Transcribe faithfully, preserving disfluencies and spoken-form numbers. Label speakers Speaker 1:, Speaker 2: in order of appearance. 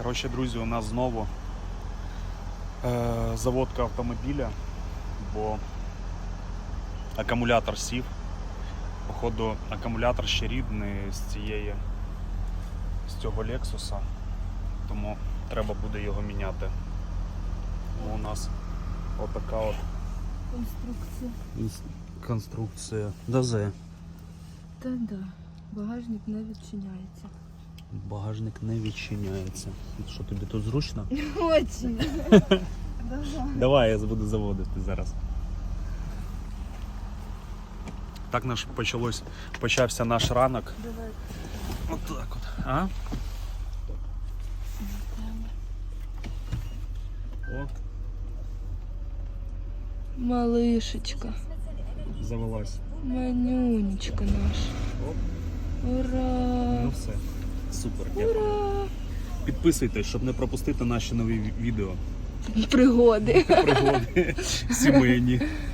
Speaker 1: Коротше, друзі, у нас знову е, заводка автомобіля, бо акумулятор сів. Походу, акумулятор ще рідний з цієї, з цього Lexus, тому треба буде його міняти. У нас отака от
Speaker 2: Конструкція.
Speaker 1: конструкція. ДАЗе.
Speaker 2: Та да. Багажник не відчиняється.
Speaker 1: Багажник не відчиняється. Що, тобі тут зручно?
Speaker 2: Очень.
Speaker 1: Давай, я буду заводити зараз. Так наш почалось, почався наш ранок.
Speaker 2: Давай.
Speaker 1: Отак от. А? О,
Speaker 2: Малишечка.
Speaker 1: завелась.
Speaker 2: Манюнечка наша.
Speaker 1: Оп.
Speaker 2: Ура!
Speaker 1: Ну все. Супер, дякую.
Speaker 2: Ура!
Speaker 1: Підписуйтесь, щоб не пропустити наші нові ві- відео.
Speaker 2: Пригоди.
Speaker 1: Пригоди сімейні.